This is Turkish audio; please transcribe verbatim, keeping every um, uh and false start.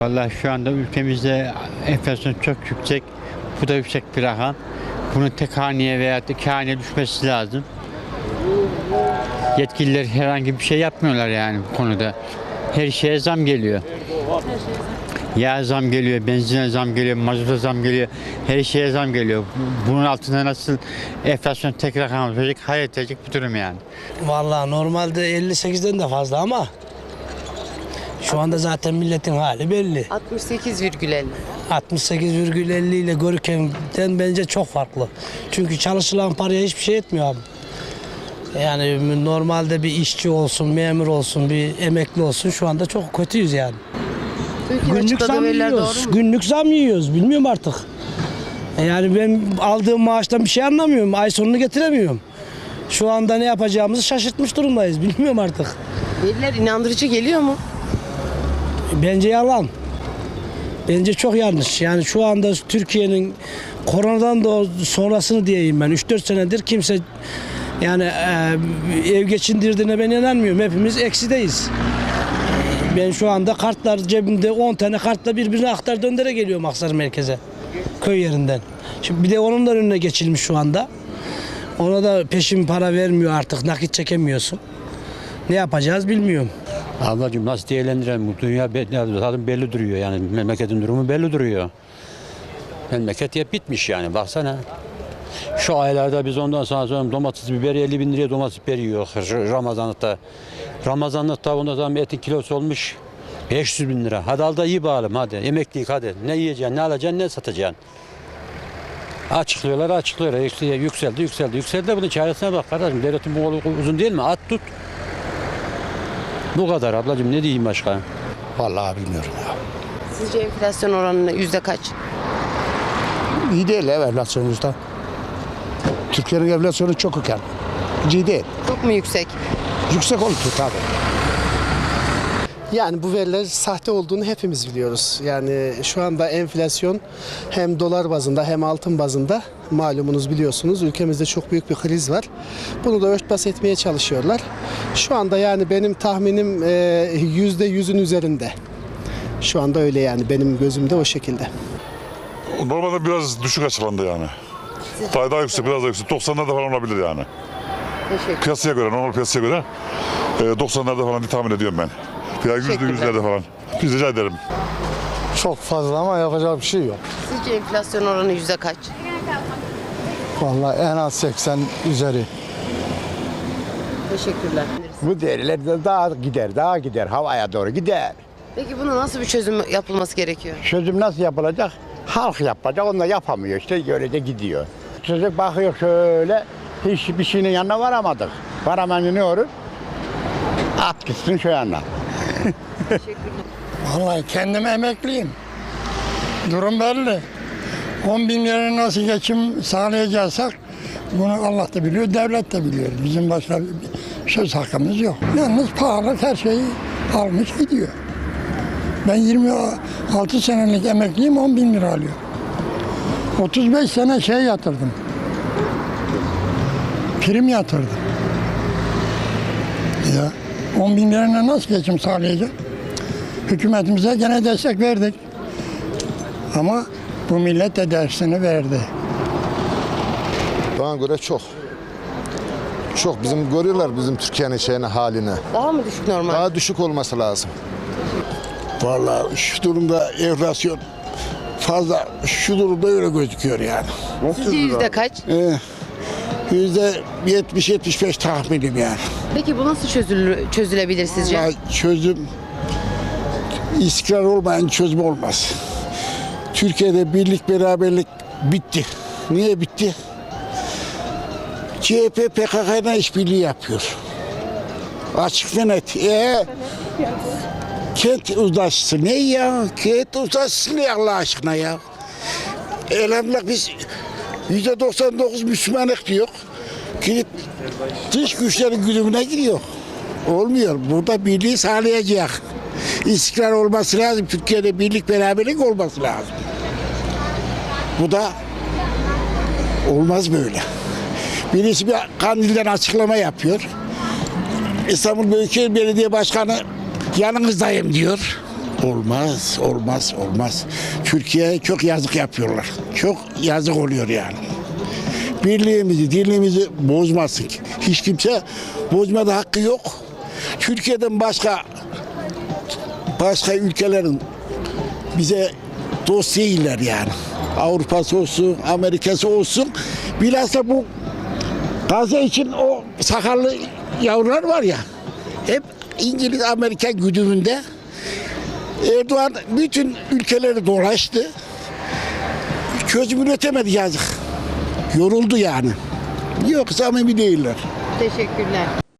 Vallahi şu anda ülkemizde enflasyon çok yüksek. Bu da yüksek bir rakam. Bunun tek haneye veya iki haneye düşmesi lazım. Yetkililer herhangi bir şey yapmıyorlar yani bu konuda. Her şeye zam geliyor. Yağ zam geliyor, benzine zam geliyor, mazota zam geliyor, her şeye zam geliyor. Bunun altında nasıl enflasyon tek rakam olacak, hayret edecek bir durum yani. Vallahi normalde elli sekizden de fazla ama şu anda zaten milletin hali belli. altmış sekiz virgül elli. altmış sekiz virgül elli ile görürkenden bence çok farklı. Çünkü çalışılan paraya hiçbir şey etmiyor abi. Yani normalde bir işçi olsun, memur olsun, bir emekli olsun şu anda çok kötüyüz yani. Türkiye'nin Günlük açıkladığı zam veriler yiyoruz. doğru mu? Günlük zam yiyoruz. Bilmiyorum artık. Yani ben aldığım maaştan bir şey anlamıyorum. Ay sonunu getiremiyorum. Şu anda ne yapacağımızı şaşırtmış durumdayız. Bilmiyorum artık. Veriler inandırıcı geliyor mu? Bence yalan. Bence çok yanlış. Yani şu anda Türkiye'nin koronadan da sonrasını diyeyim ben. üç dört senedir kimse yani e, ev geçindirdiğine ben inanmıyorum. Hepimiz eksideyiz. Ben şu anda kartlar cebimde on tane kartla birbirine aktar döndere geliyorum Aksarı merkeze. Köy yerinden. Şimdi bir de onun da önüne geçilmiş şu anda. Ona da peşin para vermiyor artık. Nakit çekemiyorsun. Ne yapacağız bilmiyorum. Ablacığım nasıl değerlendirelim? Bu dünya belli, zaten belli duruyor yani memleketin durumu belli duruyor. Memleket hep bitmiş yani baksana. Şu aylarda biz ondan sonra, sonra domates biber elli bin liraya domates biber yiyor Ramazanlıkta. Ramazanlıkta ondan sonra etin kilosu olmuş beş yüz bin lira. Hadi al da iyi bağalım hadi emeklilik hadi. Ne yiyeceksin, ne alacaksın, ne satacaksın. Açıklıyorlar, açıklıyorlar. Yükseldi, yükseldi, yükseldi. Bunun çaresine bak kardeşim. Devletin bu kolu uzun değil mi? At tut. Bu kadar ablacığım, ne diyeyim başka? Vallahi bilmiyorum ya. Sizce enflasyon oranı yüzde kaç? İyi değil ev enflasyonumuzda. Türkiye'nin enflasyonu çok yüksek. İyi değil. Çok mu yüksek? Yüksek oldu tabii. Yani bu veriler sahte olduğunu hepimiz biliyoruz. Yani şu anda enflasyon hem dolar bazında hem altın bazında malumunuz biliyorsunuz ülkemizde çok büyük bir kriz var. Bunu da örtbas etmeye çalışıyorlar. Şu anda yani benim tahminim yüzde yüzün üzerinde. Şu anda öyle yani benim gözümde o şekilde. Normalde biraz düşük açılandı yani. Daha, daha yüksek, biraz daha yüksek. doksanlarda falan olabilir yani. Teşekkür. Piyasaya göre, normal piyasaya göre e, doksanlarda falan diye tahmin ediyorum ben. Ya yüzde yüzlerde falan. Biz rica ederim. Çok fazla ama yapacak bir şey yok. Sizce enflasyon oranı yüzde kaç? Vallahi en az seksen üzeri. Teşekkürler. Bu değerler de daha gider, daha gider, havaya doğru gider. Peki bunu nasıl bir çözüm yapılması gerekiyor? Çözüm nasıl yapılacak? Halk yapacak, onu da yapamıyor işte, öyle de gidiyor. Çocuk bakıyor şöyle, hiçbir şeyin yanına varamadık. Varamayınca ne olur? At gitsin şu yana. Vallahi kendim emekliyim. Durum belli. on bin lira nasıl geçim sağlayacaksak bunu Allah da biliyor, devlet de biliyor. Bizim başka bir söz hakkımız yok. Yalnız pahalı her şeyi almış gidiyor. Ben yirmi altı senelik emekliyim, on bin lira alıyorum. otuz beş sene şey yatırdım. Prim yatırdım. Ya on bin lirayla nasıl geçim sağlayacak? Hükümetimize gene destek verdik. Ama bu millet de dersini verdi. Bana göre çok. Çok. Bizim görüyorlar bizim Türkiye'nin şeyini, halini. Daha mı düşük normal? Daha düşük olması lazım. Vallahi şu durumda enflasyon fazla, şu durumda öyle gözüküyor yani. Sizce yüzde kaç? Ee, Yüzde yetmiş yetmiş beş tahminim yani. Peki bu nasıl çözülür, çözülebilir sizce? Vallahi çözüm, istikrar olmayan çözüm olmaz. Türkiye'de birlik beraberlik bitti. Niye bitti? C H P P K K'yla işbirliği yapıyor. Açık ve net. Ee, kent uzlaşısı ne ya? Kent uzlaşısı ne Allah aşkına ya? Elhamdülillah biz yüzde doksan dokuz Müslümanlık diyor. Gidip dış güçlerin güdümüne giriyor. Olmuyor. Burada birliği sağlayacak. İstikrar olması lazım. Türkiye'de birlik beraberlik olması lazım. Bu da olmaz böyle. Birisi bir Kandil'den açıklama yapıyor. İstanbul Büyükşehir Belediye Başkanı yanınızdayım diyor. Olmaz, olmaz, olmaz. Türkiye'ye çok yazık yapıyorlar. Çok yazık oluyor yani. Birliğimizi, dirliğimizi bozmasın. Hiç kimse bozmada hakkı yok. Türkiye'den başka başka ülkelerin bize dost değiller yani. Avrupa'sı olsun, Amerika'sı olsun. Bilhassa bu Gazze için o sakallı yavrular var ya, hep İngiliz, Amerika güdümünde. Erdoğan bütün ülkeleri dolaştı. Çözüm üretemedi yazık. Yoruldu yani. Yok, samimi değiller. Teşekkürler.